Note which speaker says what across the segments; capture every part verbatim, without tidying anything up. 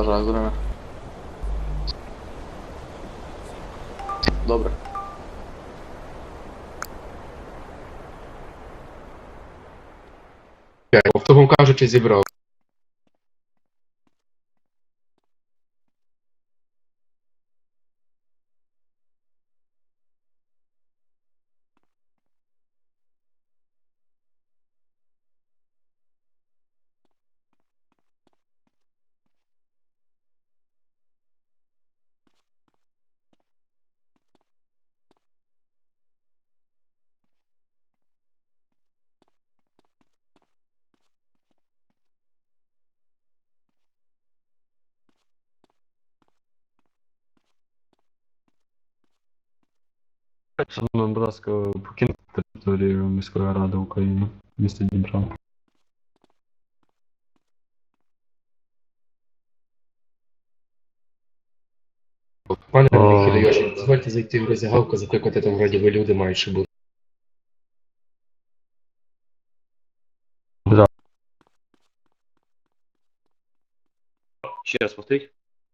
Speaker 1: Бажаю здоров'я. Добре.
Speaker 2: Автогом кажучи, зібрав.
Speaker 3: Шановні, будь ласка, покиньте територію міської ради України, місто Дніпро.
Speaker 2: Пане
Speaker 3: О.
Speaker 2: Хідайоші, дозвольте зайти в роздягалку, закликати там вроді ви люди мають ще бути.
Speaker 3: Да.
Speaker 4: Ще раз повторіть.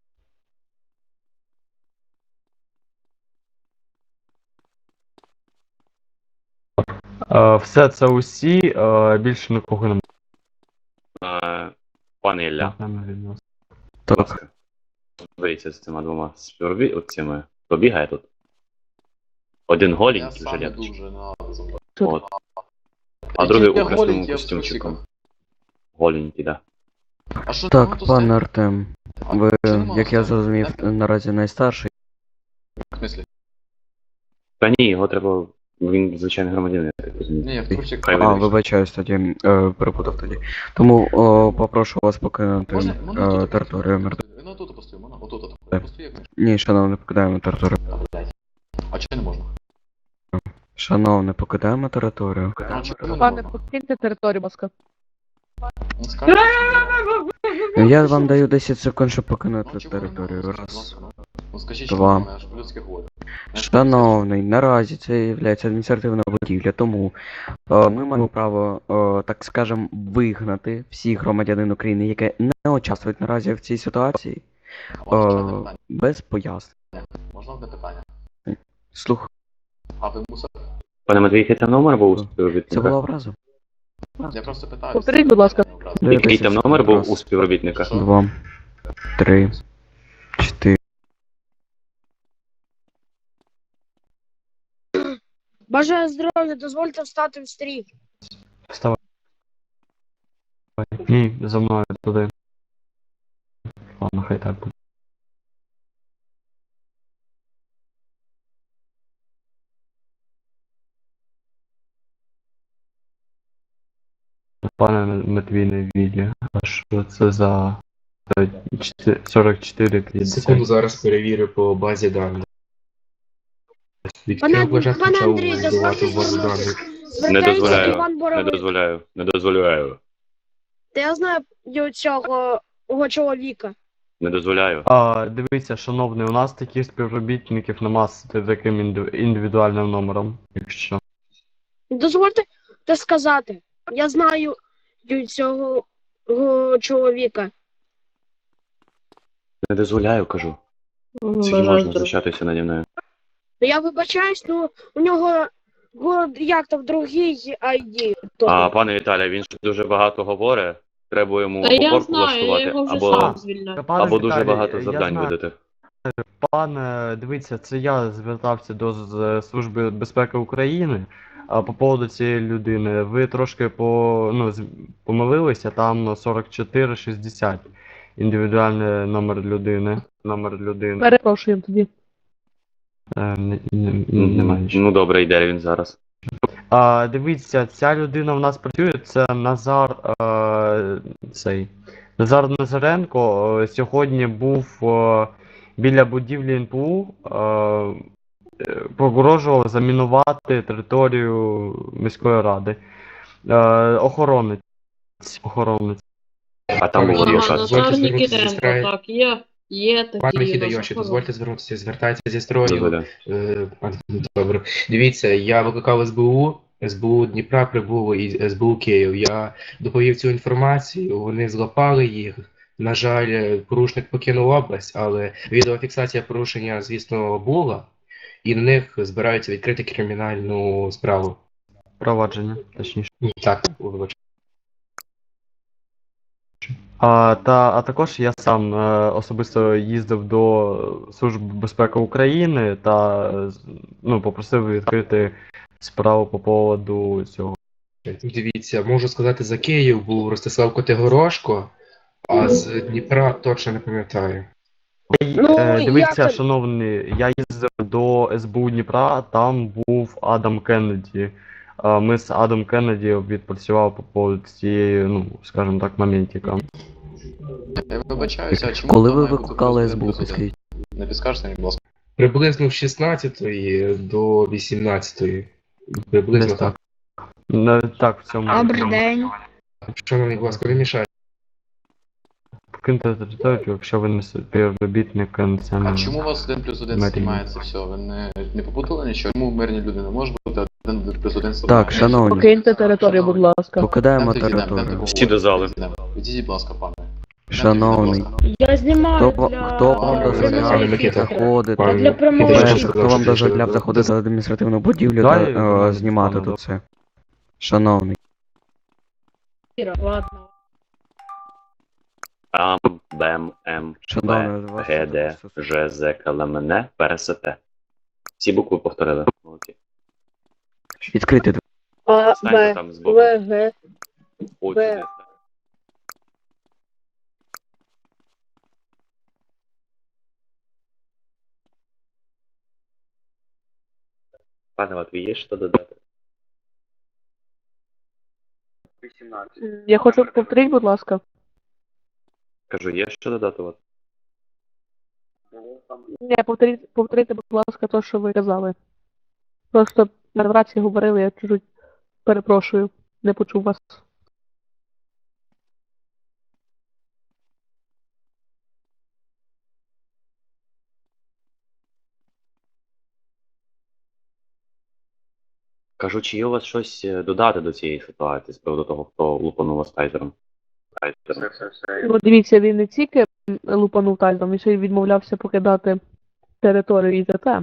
Speaker 3: Е, Все це усі, е, більше нікого немає.
Speaker 4: Е, Пане Ілля, будь ласка, боріться з цими двома співробі... от цими. Побігає тут. Один
Speaker 1: Я
Speaker 4: голенький в
Speaker 1: сам не
Speaker 4: жилетці.
Speaker 1: дуже на зомбі.
Speaker 4: От. А
Speaker 1: Які
Speaker 4: другий
Speaker 1: я
Speaker 4: у красному
Speaker 1: голенький, я в
Speaker 4: костюмчику.
Speaker 1: трусиках.
Speaker 4: Голенький, да.
Speaker 1: А що
Speaker 5: Так,
Speaker 1: там тут
Speaker 5: пане
Speaker 1: стоїть?
Speaker 5: Артем,
Speaker 1: А,
Speaker 5: ви,
Speaker 1: чи нема
Speaker 5: як я
Speaker 1: стоїть?
Speaker 5: зрозумів,
Speaker 1: Так?
Speaker 5: наразі найстарший.
Speaker 1: В смислі?
Speaker 4: Та ні, його треба. Він звичайний громадянин, я так розумію.
Speaker 1: Ні, я в трусиках.
Speaker 4: Хай
Speaker 5: А,
Speaker 4: вирішить.
Speaker 5: вибачаюсь тоді, е, перепутав тоді. Тому о, попрошу вас покинути
Speaker 1: Можна, можна
Speaker 5: е,
Speaker 1: тут
Speaker 5: територію мер-
Speaker 1: Ну тут постою, можна? Отут, отут.
Speaker 5: Так.
Speaker 1: Постою, як можна.
Speaker 5: Ні, шановне, покидаємо територію.
Speaker 1: Та, блядь. А чи не можна?
Speaker 5: Шановне, покидаємо територію.
Speaker 1: А чому не
Speaker 6: Пане,
Speaker 1: можна?
Speaker 6: покиньте територію, будь ласка.
Speaker 1: Ну, скажіть, що
Speaker 5: Я вам даю десять секунд, щоб покинути
Speaker 1: Ну, чого не
Speaker 5: територію.
Speaker 1: можна?
Speaker 5: Раз.
Speaker 1: Будь ласка, ну. Ну скажіть,
Speaker 5: Два.
Speaker 1: що я ж по-людськи говорю. Я ж
Speaker 5: Шановний, наразі це є адміністративна будівля, тому е, ми маємо право, е, так скажем, вигнати всіх громадянин України, які не участвують наразі в цій ситуації,
Speaker 1: по-людськи. Можна одне
Speaker 5: е,
Speaker 1: питання?
Speaker 5: без пояснень.
Speaker 1: Можна одне питання?
Speaker 5: Слух,
Speaker 1: А ви мусор?
Speaker 4: Пане Матвій, який там номер був у
Speaker 5: це
Speaker 4: співробітника?
Speaker 5: була образа?
Speaker 1: Я просто питаю.
Speaker 6: Повторіть, будь ласка.
Speaker 5: Даю
Speaker 4: Який
Speaker 5: десять
Speaker 4: там
Speaker 5: секунд.
Speaker 4: номер був
Speaker 5: Раз,
Speaker 4: у співробітника?
Speaker 1: Що?
Speaker 5: Два, три, чотири.
Speaker 7: Бажаю здоров'я, дозвольте встати в стрій.
Speaker 3: Вставай. Ні, за мною туди. Ладно, хай так буде. Пане Матвій на відео, а що це за сорок чотири
Speaker 2: Секунду
Speaker 3: п'ятдесят?
Speaker 2: зараз перевірю по базі даних. Від
Speaker 7: Пане-
Speaker 2: кого вважати
Speaker 7: пане
Speaker 2: почав
Speaker 7: Андрій,
Speaker 2: вбивати
Speaker 7: дозвольте
Speaker 2: в базу
Speaker 7: звернутися.
Speaker 2: даних?
Speaker 4: Не
Speaker 7: Звертається
Speaker 4: дозволяю,
Speaker 7: Іван
Speaker 4: не
Speaker 7: Боровик.
Speaker 4: дозволяю, не дозволяю,
Speaker 7: Та я знаю цього його чоловіка.
Speaker 4: не дозволяю.
Speaker 3: А, дивіться, шановний, у нас таких співробітників нема з таким інди- індивідуальним номером, якщо.
Speaker 7: Дозвольте те сказати. Я знаю цього його чоловіка.
Speaker 4: Не дозволяю, кажу.
Speaker 6: М,
Speaker 4: Скільки
Speaker 6: бажаю
Speaker 4: можна
Speaker 6: здоров'я.
Speaker 4: знущатися наді мною?
Speaker 7: Ну я вибачаюсь, ну у нього го- як там другий ай ді.
Speaker 4: А пане Віталій, він ж дуже багато говорить. Треба йому
Speaker 8: Та
Speaker 4: або
Speaker 8: я
Speaker 4: корку
Speaker 8: знаю, я
Speaker 4: влаштувати,
Speaker 8: його вже
Speaker 4: або,
Speaker 8: сам звільняв.
Speaker 3: Пане
Speaker 4: або дуже
Speaker 3: Віталій,
Speaker 4: багато
Speaker 3: я
Speaker 4: завдань
Speaker 3: знаю.
Speaker 4: видати.
Speaker 3: Пане, дивіться, це я звертався до з- Служби безпеки України. А по поводу цієї людини, ви трошки по, ну, з- помилилися, там сорок чотири шістдесят. Індивідуальний номер людини. Номер людини.
Speaker 6: Перепрошую тоді.
Speaker 3: Е, не, не, немає нічого.
Speaker 4: Ну добре, йде він зараз.
Speaker 3: А, дивіться, ця людина в нас працює, це Назар е, цей. Назар Назаренко е, сьогодні був е, біля будівлі ен пе у, е, е, погрожував замінувати територію міської ради. Е, охоронець. Охоронець.
Speaker 4: А там був
Speaker 2: Ага,
Speaker 4: адвокат.
Speaker 2: дозвольте
Speaker 8: Назар
Speaker 2: звернутися зі
Speaker 8: Нікітенко,
Speaker 2: строю.
Speaker 8: так, є, є такі
Speaker 2: Пане
Speaker 8: у нас
Speaker 2: Хідайоші,
Speaker 8: охорони.
Speaker 2: дозвольте звернутися, звертається зі строю.
Speaker 4: Дозволяю.
Speaker 2: Е, пане, Добре. Дивіться, я викликав ес бе у, ес бе у Дніпра прибуло і ес бе у Київ. Я доповів цю інформацію, вони злопали їх, На жаль, порушник покинув область, але відеофіксація порушення, звісно, була, і на них збираються відкрити кримінальну справу.
Speaker 3: Провадження, точніше.
Speaker 2: Так, вибач.
Speaker 3: А, та, а також я сам е, особисто їздив до Служби безпеки України та е, з- ну, попросив відкрити справу по поводу цього.
Speaker 2: Дивіться, можу сказати, за Київ був Ростислав Котигорошко, а з Дніпра точно не пам'ятаю.
Speaker 7: Ну,
Speaker 3: Е,
Speaker 7: як
Speaker 3: дивіться,
Speaker 7: це?
Speaker 3: шановний, я їздив до ес бе у Дніпра, там був Адам Кеннеді. Е, Ми з Адам Кеннеді відпрацювали по поводу цієї, ну, скажімо так, моментіка.
Speaker 1: Я вибачаюся, а чому
Speaker 5: Коли
Speaker 1: то
Speaker 5: ви
Speaker 1: має бути
Speaker 5: викликали
Speaker 1: плюс
Speaker 5: ес
Speaker 1: один
Speaker 5: бе у,
Speaker 1: плюс один?
Speaker 5: підскажіть?
Speaker 1: Не підскажете мені, будь ласка?
Speaker 2: Приблизно з шістнадцятої до вісімнадцятої. Приблизно
Speaker 3: Десь
Speaker 2: так.
Speaker 3: Не так в цьому.
Speaker 7: Добрий день.
Speaker 2: Шановний, будь ласка, не мішайте.
Speaker 3: Покиньте територію, якщо ви не співробітник національного.
Speaker 1: А чому у вас один плюс один
Speaker 3: Марія.
Speaker 1: знімається все? Ви не, не попутали нічого? Чому мирні люди не може бути один плюс один
Speaker 5: Так,
Speaker 1: знімається?
Speaker 5: шановні,
Speaker 6: Покиньте територію, будь ласка.
Speaker 5: покидаємо
Speaker 1: Йдемте, йдемо, йдемте,
Speaker 5: територію.
Speaker 4: Всі до зали.
Speaker 1: поговоримо. Відійдіть, будь ласка, пане.
Speaker 5: Шановний,
Speaker 7: Я знімаю
Speaker 5: хто,
Speaker 7: для...
Speaker 5: хто вам
Speaker 1: для
Speaker 5: дозволяє
Speaker 2: прямого
Speaker 5: заходити?
Speaker 2: Пане,
Speaker 7: Для прямого
Speaker 2: Микита,
Speaker 5: Перше,
Speaker 2: що
Speaker 5: хто вам
Speaker 2: сказав, що
Speaker 5: дозволяв
Speaker 2: ще
Speaker 5: заходити в адміністративну будівлю
Speaker 3: Далі,
Speaker 5: та
Speaker 3: ну,
Speaker 5: е, знімати
Speaker 3: пане,
Speaker 5: тут це? Шановний,
Speaker 7: Ладно.
Speaker 4: Ам, Бем, М,
Speaker 5: Шановний,
Speaker 4: Б,
Speaker 5: вас
Speaker 4: Г, Д, Ж, З, К, Л, М, Н, П, Р, С, Т. Всі букви повторили. Молодці.
Speaker 5: відкрити двері.
Speaker 7: А,
Speaker 4: Станьте
Speaker 7: Б,
Speaker 4: там збоку.
Speaker 7: В, Г.
Speaker 4: Ось
Speaker 7: Б.
Speaker 4: сюди. Пане Матвій, є що додати?
Speaker 6: М, Я хочу повторіть, будь ласка.
Speaker 4: Кажу, є що додати? От.
Speaker 6: Ні, повторіть, повторіть, будь ласка, те, що ви казали. Просто на рації говорили, я чуть перепрошую, не почув вас.
Speaker 4: Кажу, чи є у вас щось е, додати до цієї ситуації з приводу того, хто лупанув вас тайзером? Тайзером.
Speaker 6: Ну, дивіться, він не тільки м, лупанув тайзом, він ще й відмовлявся покидати територію і ІТТ.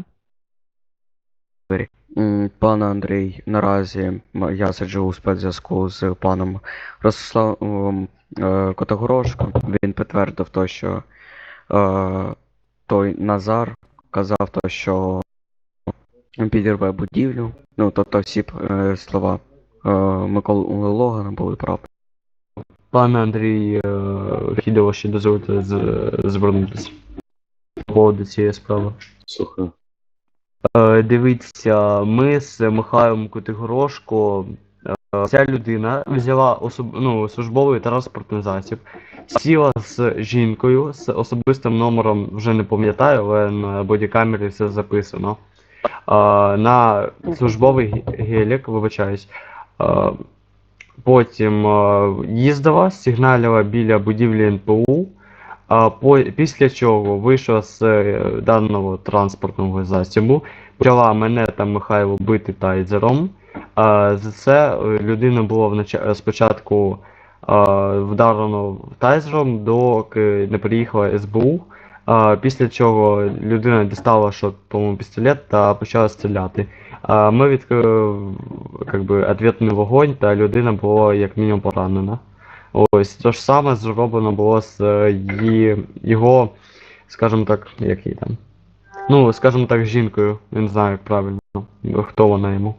Speaker 5: М, Пане Андрій, наразі м, я сиджу у спецзв'язку з паном Ростиславом е, Котогорошко. Він підтвердив то, що е, той Назар казав то, що підірве будівлю. Ну, тобто всі е, слова е, Миколи Логана були правди.
Speaker 3: Пане Андрій е, Хідово, ще дозвольте з- звернутися по поводу цієї справи.
Speaker 4: Слухаю.
Speaker 3: Е, Дивіться, ми з Михайлом Котигорошко, е, ця людина взяла особ... ну, службовий транспортний засіб, сіла з жінкою, з особистим номером, вже не пам'ятаю, але на бодікамері все записано. Е, На службовий ге- гелік, вибачаюсь. Е, Потім е, їздила, сигналила біля будівлі ен пе у, а по, після чого вийшла з е, даного транспортного засобу, почала мене та Михайло бити тайзером. А, за це е, людина була внач- спочатку а, вдарено тайзером, доки не приїхала ес бе у. А, після чого людина дістала шот, по-моєму, пістолет та почала стріляти. А, ми відкрили как би, ответний вогонь, та людина була як мінімум поранена. Ось те ж саме зроблено було з е, її, його, скажімо так, як її там. Ну, скажімо так, з жінкою. Я не знаю, як правильно, хто вона йому.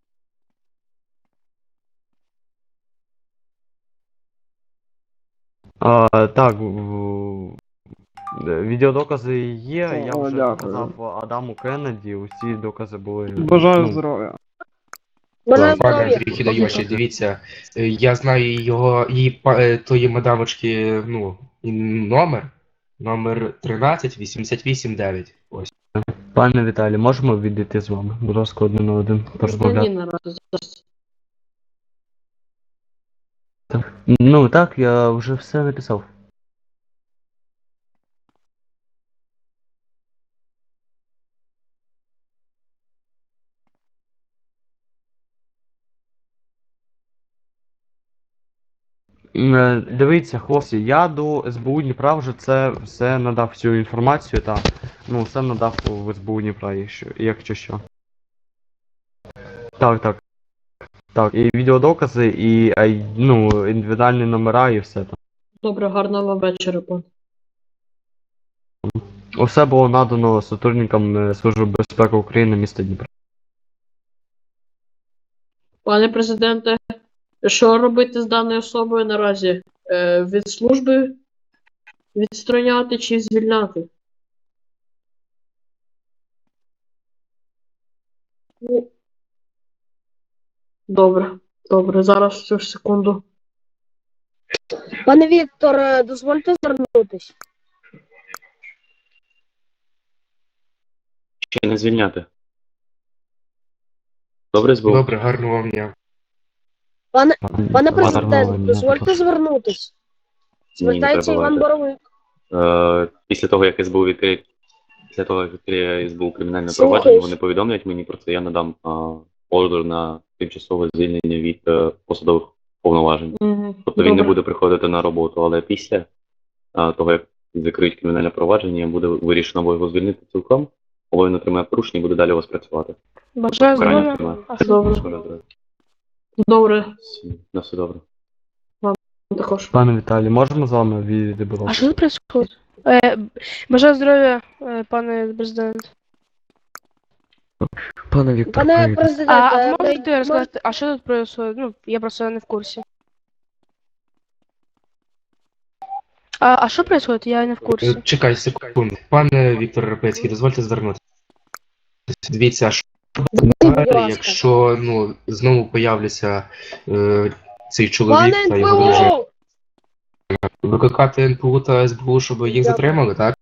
Speaker 3: А, так, в- відеодокази є, я
Speaker 8: О,
Speaker 3: вже
Speaker 8: дякую.
Speaker 3: показав Адаму Кеннеді, усі докази були.
Speaker 8: Бажаю
Speaker 3: ну,
Speaker 8: здоров'я.
Speaker 7: Бажаю
Speaker 2: Пане
Speaker 7: здоров'я.
Speaker 2: Андрій Хідайоші, дивіться, е, я знаю його, її па- е, тої мадамочки, ну, і номер, номер тринадцять вісімдесят вісім дев'ять. Ось.
Speaker 3: Пане Віталій, можемо відійти з вами? Будь ласка, один на один порозмовляти. Ну так, я вже все написав. М, е, Дивіться, хлопці, я до ес бе у Дніпра вже це все надав всю інформацію, та ну все надав в ес бе у Дніпра, якщо, якщо що. Так, так. Так, і відеодокази, і ай- ну, індивідуальні номера і все там.
Speaker 8: Добре, гарного вам вечора, пан.
Speaker 3: Усе було надано сотрудникам е, Служби безпеки України міста Дніпра.
Speaker 8: Пане президенте, що робити з даною особою наразі? Е, від служби відстороняти чи звільняти? Ну, добре, добре, зараз цю ж секунду.
Speaker 7: Пане Віктор, е, дозвольте звернутись.
Speaker 4: Ще не звільняти. Добре, СБУ?
Speaker 2: Добре, гарного вам дня.
Speaker 7: Пане, пане
Speaker 3: Гарного
Speaker 7: президент,
Speaker 3: дня,
Speaker 7: дозвольте
Speaker 3: прошу.
Speaker 7: звернутись.
Speaker 4: Ні, не
Speaker 7: Звертається
Speaker 4: треба
Speaker 7: Іван
Speaker 4: давайте.
Speaker 7: Боровик.
Speaker 4: Е, Після того, як СБУ відкриє, після того, як відкриє СБУ кримінальне
Speaker 7: Слухаюсь.
Speaker 4: провадження, вони повідомлять мені про це, я надам а, ордер на тимчасове звільнення від е, посадових повноважень.
Speaker 8: Угу.
Speaker 4: Тобто він не буде приходити на роботу, але після а, того, як закриють кримінальне провадження, буде вирішено або його звільнити цілком, або він отримає порушення і буде далі у вас працювати.
Speaker 6: Бажаю
Speaker 4: Покарання
Speaker 6: здоров'я.
Speaker 4: отримає.
Speaker 6: А що?
Speaker 8: Добре.
Speaker 4: Добре.
Speaker 8: Добре,
Speaker 4: На все добре.
Speaker 8: також.
Speaker 3: Пане Віталій, можемо з вами відійти, будь
Speaker 6: А
Speaker 3: ласка?
Speaker 6: що тут происходит? Е, бажаю здоров'я, е, пане президент.
Speaker 5: Пане Віктор,
Speaker 7: Пане
Speaker 5: привіт.
Speaker 7: президент,
Speaker 6: А, а
Speaker 7: е,
Speaker 6: ви можете
Speaker 7: ми-
Speaker 6: розказати, а що тут происходит? Ну, я просто не в курсі. А, а що происходит? Я не в
Speaker 2: Е,
Speaker 6: курсі.
Speaker 2: Чекай секунду. Пане Віктор Рапецький, дозвольте звернутися. Дивіться, що
Speaker 7: будь ласка.
Speaker 2: якщо ну, знову появляться е, цей чоловік
Speaker 7: Пане
Speaker 2: та його дружина.
Speaker 7: НПО!
Speaker 2: Викликати ен пе у та ес бе у, щоб їх затримали, так?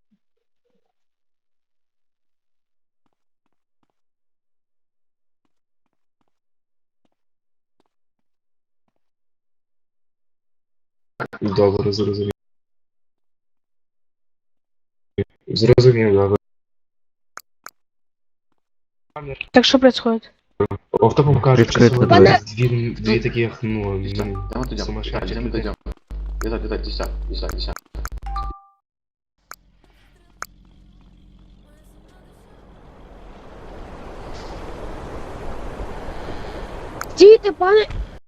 Speaker 2: Добре, зрозумів. Зрозумів, добре.
Speaker 6: Так що происходит?
Speaker 2: Автопом кажучи,
Speaker 5: Відкрити
Speaker 2: сьогодні
Speaker 7: двері.
Speaker 2: дві, дві таких, ну,
Speaker 1: Десять.
Speaker 2: ну,
Speaker 1: Там вот идем.
Speaker 2: сумасшедших
Speaker 1: Идем,
Speaker 2: людей.
Speaker 1: идем. Десять, десять, десять, десять, десять.
Speaker 7: Стійте, пане,